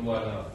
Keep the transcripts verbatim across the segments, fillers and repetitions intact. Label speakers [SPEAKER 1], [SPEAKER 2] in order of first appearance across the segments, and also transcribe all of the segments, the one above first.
[SPEAKER 1] обвинувальний акт.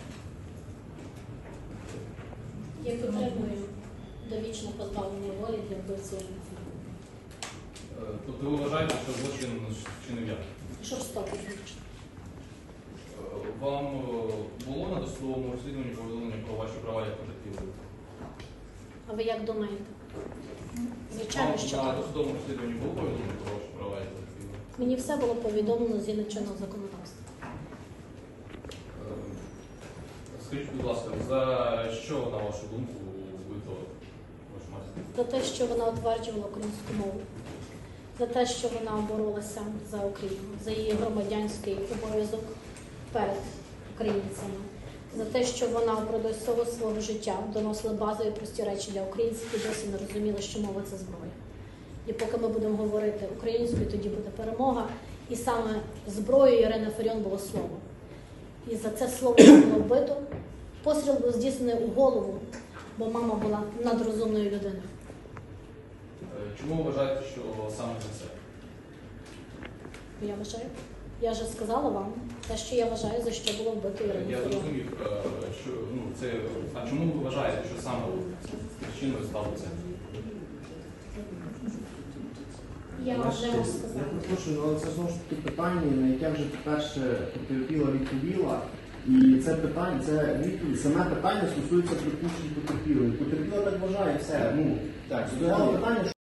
[SPEAKER 2] Я підтримую довічне позбавлення волі для вбивці Ірини.
[SPEAKER 1] Е, Тобто ви вважаєте, що злочин вчинив я?
[SPEAKER 2] Жорстокий злочин.
[SPEAKER 1] Е, Вам е, було на досудовому розслідуванні повідомлення про ваші права як потерпілої?
[SPEAKER 2] А ви як думаєте? Звичайно, що
[SPEAKER 1] Вам на
[SPEAKER 2] так.
[SPEAKER 1] досудовому розслідуванні було повідомлення про ваші права як потерпілої?
[SPEAKER 2] Мені все було повідомлено згідно чинного законодавства.
[SPEAKER 1] Е, Скажіть, будь ласка, за що, на вашу думку, вбито вашу матір?
[SPEAKER 2] За те, що вона утверджувала українську мову, за те, що вона боролася за Україну, за її громадянський обов'язок перед українцями, за те, що вона впродовж всього свого життя доносила базові прості речі для українців і досі не розуміла, що мова – це зброя. І поки ми будемо говорити українською, тоді буде перемога. І саме зброєю Ірини Фаріон було слово. І за це слово було вбито. Постріл був здійснений у голову, бо мама була надрозумною людиною.
[SPEAKER 1] Е, Чому ви вважаєте, що саме за це?
[SPEAKER 2] Я вважаю. Я вже сказала вам те, що я вважаю, за що було вбито Ірину
[SPEAKER 1] Я
[SPEAKER 2] Фаріон.
[SPEAKER 1] зрозумів, е, що ну це. А чому ви вважаєте, що саме причиною стало це?
[SPEAKER 2] Я вже вам
[SPEAKER 3] Я
[SPEAKER 2] сказала.
[SPEAKER 3] прошу, але це знову ж таки питання, на яке вже перше потерпіла відповіла. І це питання, це відповідь, саме питання стосується припущень потерпілої. Потерпіла так вважає, все. Ну, так, задавала питання,